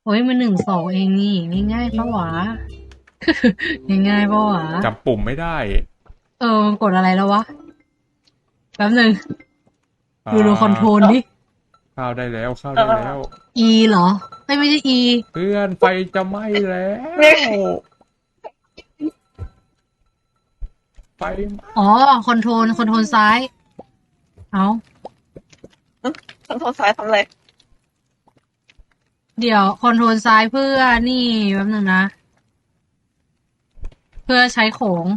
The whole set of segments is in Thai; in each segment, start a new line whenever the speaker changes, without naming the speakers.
โอ้ยมัน1-2เองนี่ง่ายๆปะวะง่ายๆปะวะ
จำปุ่มไม่ได้
มันกดอะไรแล้ววะแป๊บหนึ่ง
อ่
ดูคอนโทร
า
ลดิ
เข้าได้แล้วเข้า
เ
ได้แล้ว
ออ
E เหรอไม่ใช่ E
เพื่อนไฟจะไหม้แล้ว
เนี่ย
ไฟไหม้
อ๋อคอนโทรลซ้ายเอา
คอนโทรลซ้ายทำอะไร
เดี๋ยวคอนโทรลซ้ายเพื่อนี่แป๊บหนึ่งนะเพื่อใช้โขง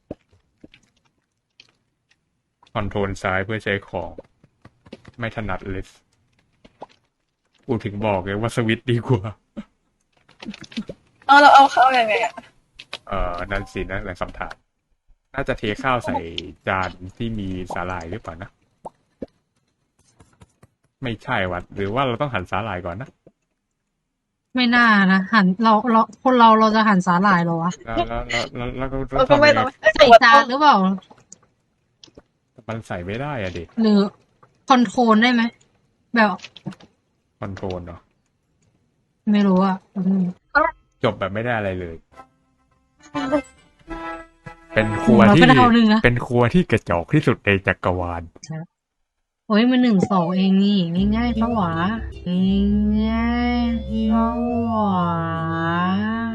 คอนโทรลซ้ายเพื่อใช้ของไม่ถนัดเลยกูถึงบอกเลยว่าสวิตช์ดีกว่า
เอาเราเอาเข้ายังไงอ่ะ
นั่นสินะแหละคำถามน่าจะเทข้าวใส่จานที่มีสาหร่ายหรือเปล่านะไม่ใช่วัดหรือว่าเราต้องหั่นสาหร่ายก่อนนะ
ไม่น่านะหันเราคนเราจะหันสาหร่ายเหรอวะ
แล้วก็
เราก็
ทำยังไง
ไม่ต้อง
ใส่จานหรือเปล่า
มันใส่ไม่ได้อะดิ
หรือคอนโทรลได้ไหมแบบ
คอนโทรลเนาะ
ไม่รู้อ่ะแป๊บนึง
จบแบบไม่ได้อะไรเลย เป็นค
โห
รัว
เราก็
ที่
ดาวหนึ่งนะ
เป็นครัวที่กระจอกที่สุดในจักรวาล
โอ้ยมัน1-2เองนี่ง่ายๆปะวะง่ายๆปะวะ